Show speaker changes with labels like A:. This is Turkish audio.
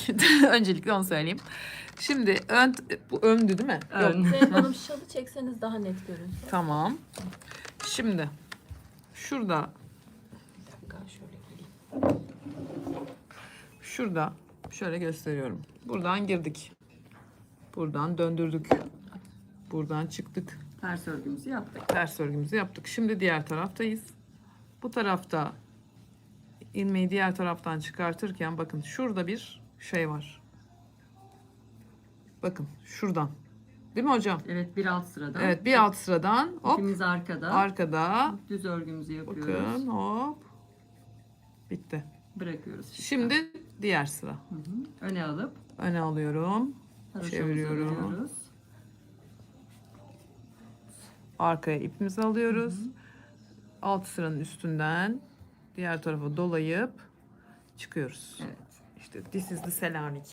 A: Öncelikle onu söyleyeyim. Şimdi bu öndü değil mi?
B: Ön.
A: Yok.
C: Zeynep Hanım şalı çekseniz daha net görünsün.
A: Tamam. Şimdi şurada
C: Bir dakika şöyle geleyim.
A: şurada şöyle gösteriyorum. Buradan girdik. Buradan döndürdük. Buradan çıktık.
B: Ters örgümüzü yaptık.
A: Ters örgümüzü yaptık. Şimdi diğer taraftayız. Bu tarafta ilmeği diğer taraftan çıkartırken bakın şurada bir şey var. Bakın şuradan. Değil mi hocam?
B: Evet, bir alt sıradan.
A: Evet, bir alt sıradan hop
B: İpimiz arkada.
A: arkada.
B: Düz örgümüzü yapıyoruz.
A: Bakın hop. Bitti.
B: Bırakıyoruz.
A: Şimdi diğer sıra.
B: Hı hı. Öne alıp
A: Öne alıyorum.
B: haroşamızı
A: Çeviriyorum.
B: örüyoruz.
A: Arkaya ipimizi alıyoruz. Alt sıranın üstünden diğer tarafa dolayıp çıkıyoruz.
B: Evet.
A: İşte this is the Selanik.